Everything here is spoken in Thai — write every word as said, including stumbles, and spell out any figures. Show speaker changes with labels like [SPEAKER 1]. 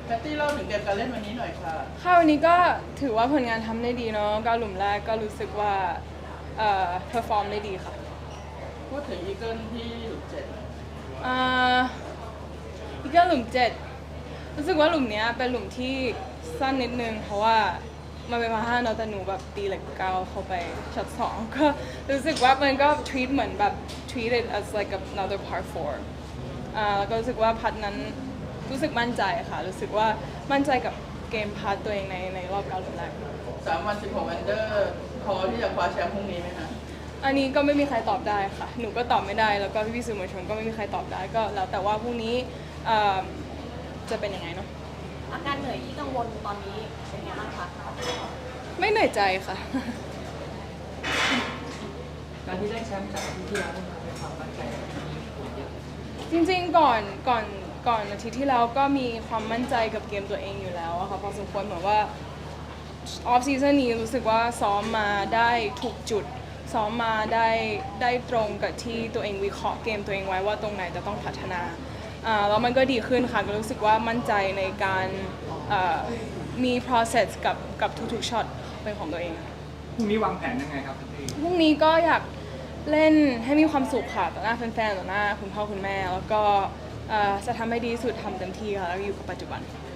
[SPEAKER 1] แพตตี้เล่าถึงเกมการเล่นวันนี้หน่อยค่ะ
[SPEAKER 2] ค่ะวันนี้ก็ถือว่าผลงานทำได้ดีเนาะก็หลุมแรกก็รู้สึกว่าเอ่อเพอร์ฟอร์มได้ดีค่ะ
[SPEAKER 1] พูดถึงอีเกิลที่หลุมเจ็ด
[SPEAKER 2] อ่าอีกก็หลุมเจ็ดรู้สึกว่าหลุมเนี้ยเป็นหลุมที่สั้นนิดนึงเพราะว่ามันเป็นพาห้าเนาะแต่หนูแบบตีเหล็กเก้าเข้าไปช็อตสองก็รู้สึกว่ามันก็ treat เหมือนแบบ treat it as like another par four อ่าแล้วก็รู้สึกว่าพัดนั้นรู้สึกมั่นใจค่ะรู้สึกว่ามั่นใจกับเกมพัดตัวเองในในรอบเก้าหลุมแรก
[SPEAKER 1] สามวันสิบหกอันเดอร์พอที่จะคว้าแชมป์พรุ่งนี้ไหมคะ
[SPEAKER 2] อันนี้ก็ไม่มีใครตอบได้ค่ะหนูก็ตอบไม่ได้แล้วก็พี่ๆสื่อมวลชนก็ไม่มีใครตอบได้ก็แล้วแต่ว่าพรุ่งนี้จะเป็นยังไงเนาะ
[SPEAKER 3] อาการเหนื่อยที่กังวลตอนนี้เป็นไงบ้างคะ
[SPEAKER 2] ไม่เหนื่อยใจค่ะ
[SPEAKER 4] การที่ได้แชมป์จากที่ที่แล้วมันเป็นความมั่นใจ
[SPEAKER 2] จริงๆก่อนก่อนก่อนอาทิตย์ที่แล้วก็มีความมั่นใจกับเกมตัวเองอยู่แล้วอะค่ะพอสมควรเหมือนว่าออฟซีซั่นนี้รู้สึกว่าซ้อมมาได้ถูกจุดซ้อมมาได้ได้ตรงกับที่ตัวเองวิเคราะห์เกมตัวเองไว้ว่าตรงไหนจะต้องพัฒนาอ่าแล้วมันก็ดีขึ้นค่ะก็รู้สึกว่ามั่นใจในการมี process กับกับทุกๆช็อตเป็นของตัวเอง
[SPEAKER 4] พรุ่งนี้วางแผนยังไงครับพี่
[SPEAKER 2] พรุ่งนี้ก็อยากเล่นให้มีความสุขค่ะต่อหน้าแฟนๆต่อหน้าคุณพ่อคุณแม่แล้วก็จะทำให้ดีสุดทำเต็มที่ค่ะแล้วอยู่กับปัจจุบัน